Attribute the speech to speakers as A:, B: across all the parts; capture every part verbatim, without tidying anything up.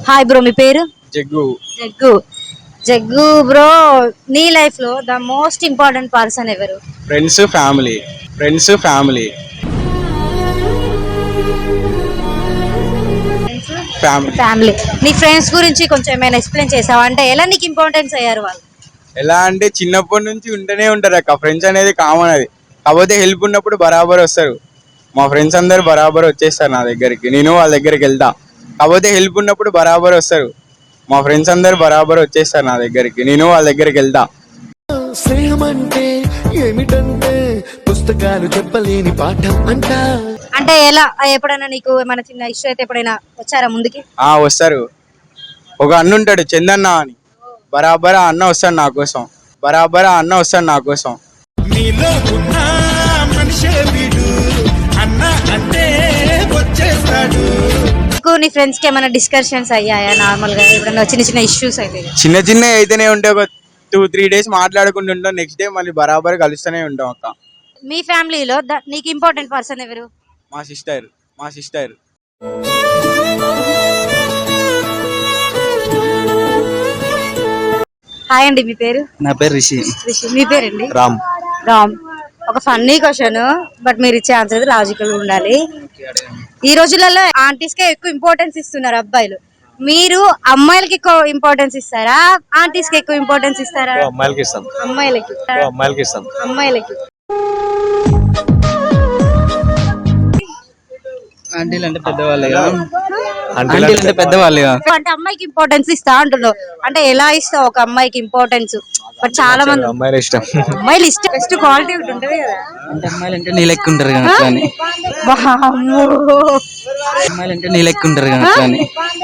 A: Hi bro, మీ పేరు?
B: Jaggu.
A: Jaggu. Jaggu bro, నీ లైఫ్ లో ద మోస్ట్ ఇంపార్టెంట్ పర్సన్ ఎవరు?
B: Friends, family. Friends, family. Family.
A: Family. నీ ఫ్రెండ్స్ గురించి కొంచెం ఏమైనా ఎక్స్ప్లెయిన్ చేసావా? అంటే ఎలా నీకు ఇంపార్టెన్స్ అయ్యారు వాళ్ళు?
B: ఎలా అంటే చిన్నప్పటి నుంచి ఉంటూనే ఉంటారు అక్క. ఫ్రెండ్స్ అనేది కామన్, అది కాకపోతే హెల్ప్ ఉన్నప్పుడు బరాబర్ వస్తారు. మా ఫ్రెండ్స్ అందరు బరాబర్ వచ్చేస్తారు నా దగ్గరికి, నేను వాళ్ళ దగ్గరికి వెళ్తా. కాకపోతే హెల్ప్ ఉన్నప్పుడు బరాబర్ వస్తారు. మా ఫ్రెండ్స్ అందరు బరాబర్ వచ్చేస్తారు నా దగ్గరికి, నేను వాళ్ళ దగ్గరికి వెళ్తా.
C: స్నేహం అంటే ఏమిటంటే పుస్తకాలు చెప్పలేని పాఠం అంట.
A: అంటే ఎలా, ఎప్పుడైనా నీకు ఏమైనా చిన్న ఇష్యూ అయితే ఎప్పుడైనా వచ్చారా ముందుకి?
B: ఆ వస్తారు. ఒక అన్న ఉంటాడు చందన్న అని, బరాబర్ అన్న వస్తాడు నా కోసం. బరాబర్ అన్న వస్తాడు నా కోసం.
C: నీలో ఉన్న మనిషే వీడు, అన్న అంటే వచ్చేస్తాడు.
A: నీ ఫ్రెండ్స్ కి ఏమైనా డిస్కషన్స్ అయ్యాయా నార్మల్ గా? ఎప్పుడైనా చిన్న చిన్న ఇష్యూస్ అయితే?
B: చిన్న చిన్న అయితేనే ఉంటాయి. ఒక టూ త్రీ డేస్ మాట్లాడుకుంటూ ఉంటాం, నెక్స్ట్ డే మళ్ళీ బరాబర్ కలుస్తూనే ఉంటాం అక్క.
A: మీ ఫ్యామిలీలో నీకు ఇంపార్టెంట్ పర్సన్ ఎవరు?
B: మా సిస్టర్. మా సిస్టర్.
A: హాయ్ అండి, మీ పేరు?
D: నా పేరు రిషి.
A: రిషి. మీ పేరండి?
D: రామ్.
A: రామ్. ఒక ఫన్నీ క్వశ్చన్, బట్ మీరు ఇచ్చే ఆన్సర్ లాజికల్ ఉండాలి. ఈ రోజులలో ఆంటీస్ కే ఎక్కువ ఇంపార్టెన్స్ ఇస్తున్నారు అబ్బాయిలు. మీరు అమ్మాయిలకి ఎక్కువ ఇంపార్టెన్స్ ఇస్తారా, ఆంటీస్ కి ఎక్కువ ఇంపార్టెన్స్ ఇస్తారా?
D: అమ్మాయిలకి ఇస్తాం.
A: అమ్మాయిలకి.
D: అమ్మాయిలకి ఇస్తాం.
A: అమ్మాయిలకి.
D: ఆంటీలు అంటే పెద్దవాళ్ళే కదా. ఆంటీలు అంటే పెద్దవాళ్ళే కదా.
A: అంటే అమ్మాయికి ఇంపార్టెన్స్ ఇస్తా అంటున్నావు, అంటే ఎలా ఇస్తావు ఒక అమ్మాయికి ఇంపార్టెన్స్? బట్ చాలా మంది
D: అమ్మాయిలు ఇష్టం.
A: అమ్మాయిలు ఇష్టం, బెస్ట్ క్వాలిటీ ఉంటుంది కదా.
D: అంటే అమ్మాయిలు అంటే నీ లెక్క ఉంటారు కదా అని. అమ్మాయిలు అంటే నీ లెక్క ఉంటారు కదా అని.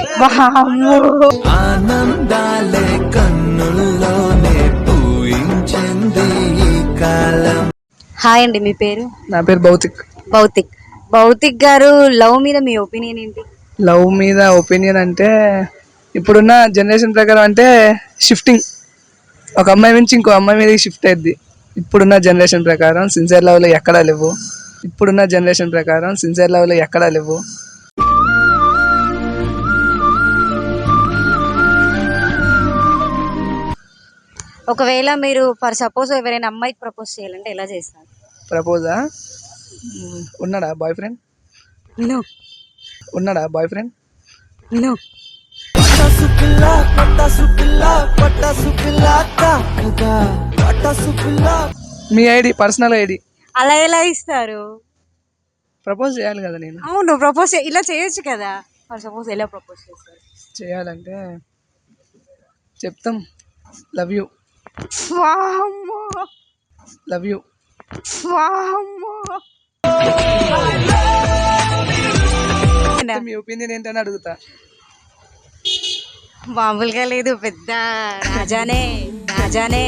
C: ఆనందాలే కన్నుల్లోనే పూయించింది ఈ కాలం.
A: హాయ్ అండి, మీ పేరు?
E: నా పేరు భౌతిక్.
A: భౌతిక్. భౌతిక్ గారు, లవ్ మీద మీ ఒపీనియన్ ఏంటి?
E: లవ్ మీద ఒపీనియన్ అంటే ఇప్పుడున్న జనరేషన్ ప్రకారం అంటే షిఫ్టింగ్, ఒక అమ్మాయి నుంచి ఇంకో అమ్మాయి మీద షిఫ్ట్ అయ్యింది. ఇప్పుడున్న జనరేషన్ ప్రకారం సిన్సియర్ లవ్లో ఎక్కడా లేవు. ఇప్పుడున్న జనరేషన్ ప్రకారం సిన్సియర్ లవ్లో ఎక్కడా లేవు.
A: ఒకవేళ మీరు ఫర్ సపోజ్ ఎవరైనా అమ్మాయికి ప్రపోజ్ చేయాలంటే ఎలా చేస్తారు?
E: ప్రపోజా? ఉన్నాడా బాయ్ ఫ్రెండ్?
A: నో.
E: ఉన్నాడా బాయ్ ఫ్రెండ్?
A: నో.
E: మీ ఐడి, పర్సనల్ ఐడి.
A: అలా ఎలా ఇస్తారు?
E: ప్రపోజ్ చేయాలి కదా నేను.
A: అవును, ప్రపోజ్ ఇలా చేయొచ్చు కదా. ఫర్ సపోజ్ ఎలా ప్రపోజ్ చేస్తారు?
E: చేయాలంటే చెప్తాం, లవ్ యూ. Love you. మీ ఒపీనియన్ ఏంటని అడుగుతా.
A: మామూలుగా లేదు, పెద్ద రాజానే రాజానే.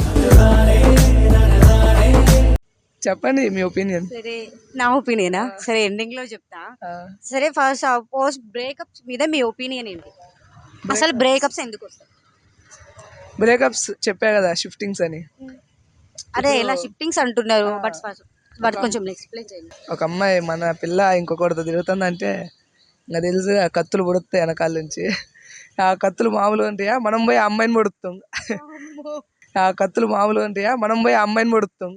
E: చెప్పండి మీ ఒపీనియన్.
A: సరే, నా ఒపీనియనా? సరే, ఎండింగ్ లో చెప్తా. సరే, ఫస్ట్ సపోజ్ బ్రేకప్స్ మీద మీ ఒపీనియన్ ఏంటి? అసలు బ్రేకప్స్ ఎందుకు వస్తాయి?
E: బ్రేకప్స్ చెప్పా కదా, షిఫ్టింగ్స్ అని.
A: అదే ఎలా షిఫ్టింగ్స్ అంటున్నారు, బట్ బట్ కొంచెం ఎక్స్ప్లెయిన్ చేయండి.
E: ఒక అమ్మాయి మన పిల్ల ఇంకొకటితో తిరుగుతుందంటే ఇంకా తెలుసు, ఆ కత్తులు పొడుస్తాయి వెనకాల నుంచి. ఆ కత్తులు మామూలు ఉంటాయా, మనం పోయి ఆ అమ్మాయిని పొడుస్తాం. ఆ కత్తులు మామూలు ఉంటాయా, మనం పోయి ఆ అమ్మాయిని పొడుస్తాం.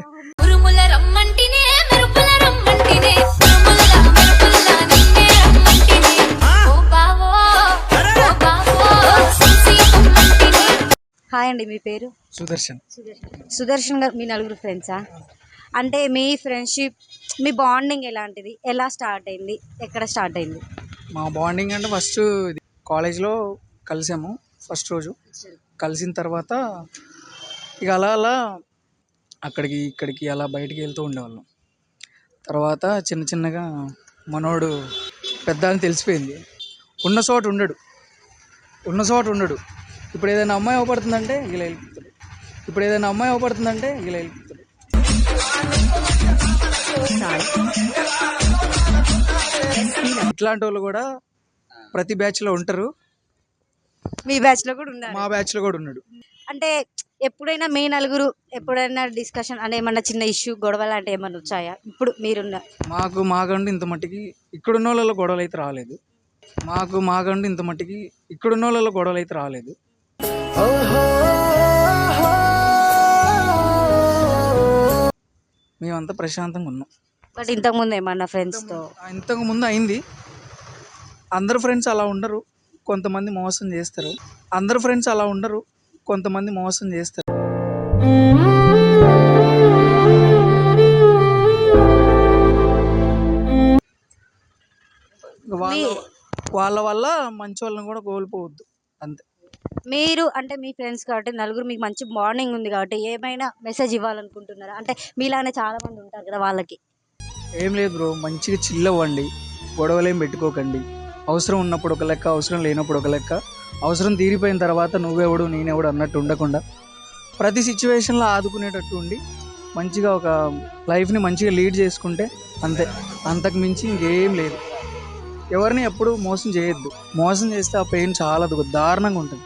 A: హాయ్ అండి, మీ పేరు?
E: సుదర్శన్.
A: సుదర్శన్ గారు, మీ నలుగురు ఫ్రెండ్సా? అంటే మీ ఫ్రెండ్షిప్, మీ బాండింగ్ ఎలాంటిది? ఎలా స్టార్ట్ అయింది? ఎక్కడ స్టార్ట్ అయింది?
F: మా బాండింగ్ అంటే ఫస్ట్ కాలేజ్లో కలిసాము. ఫస్ట్ రోజు కలిసిన తర్వాత ఇక అలా అలా అక్కడికి ఇక్కడికి అలా బయటికి వెళ్తూ ఉండేవాళ్ళం. తర్వాత చిన్న చిన్నగా మనోడు పెద్ద అని తెలిసిపోయింది. ఉన్న చోట ఉండడు ఉన్న చోట ఉండడు ఇప్పుడు ఏదైనా అమ్మాయి అవపడుతుందంటే ఇలా వెళ్ళిపోతాడు. ఇప్పుడు ఏదైనా అమ్మాయి అవపడుతుందంటే ఇలా వెళ్ళిపోతాడు. ఇట్లాంటి వాళ్ళు కూడా ప్రతి బ్యాచ్ లో ఉంటారు.
A: మీ బ్యాచ్ లో కూడా ఉన్నారు?
F: మా బ్యాచ్ లో కూడా ఉన్నాడు.
A: అంటే ఎప్పుడైనా మీ నలుగురు ఎప్పుడైనా డిస్కషన్ అంటే ఏమన్నా చిన్న ఇష్యూ గొడవ లాంటి ఏమన్నా వచ్చాయా ఇప్పుడు మీరున్న?
F: మాకు మాకంటే ఇంత మట్టికి ఇక్కడున్న వాళ్ళలో గొడవలు అయితే రాలేదు. మాకు మాకంటూ ఇంత మట్టికి ఇక్కడున్న వాళ్ళ గొడవలు అయితే రాలేదు. మేమంతా ప్రశాంతంగా ఉన్నాం.
A: బట్ ఇంతకు ముందు ఏమన్నా ఫ్రెండ్స్ తో
F: ఇంతకు ముందు అయింది. అందరు ఫ్రెండ్స్ అలా ఉండరు, కొంతమంది మోసం చేస్తారు. అందరు ఫ్రెండ్స్ అలా ఉండరు, కొంతమంది మోసం చేస్తారు. వాళ్ళ వాళ్ళ వల్ల మంచి వాళ్ళని కూడా కోల్పోవద్దు అంతే.
A: మీరు అంటే మీ ఫ్రెండ్స్ కాబట్టి నలుగురు మీకు మంచి బాండింగ్ ఉంది కాబట్టి ఏమైనా మెసేజ్ ఇవ్వాలనుకుంటున్నారా? అంటే మీలానే చాలా మంది ఉంటారు కదా వాళ్ళకి.
F: ఏం లేదు బ్రో, మంచిగా చిల్ అవ్వండి, గొడవలు ఏం పెట్టుకోకండి. అవసరం ఉన్నప్పుడు ఒక లెక్క, అవసరం లేనప్పుడు ఒక లెక్క. అవసరం తీరిపోయిన తర్వాత నువ్వెవడు నేనెవడు అన్నట్టు ఉండకుండా ప్రతి సిచ్యువేషన్లో ఆదుకునేటట్టు ఉండి మంచిగా ఒక లైఫ్ని మంచిగా లీడ్ చేసుకుంటే అంతే. అంతకు మించి ఇంకేం లేదు. ఎవరిని ఎప్పుడు మోసం చేయొద్దు. మోసం చేస్తే ఆ పెయిన్ చాలా దారుణంగా ఉంటుంది.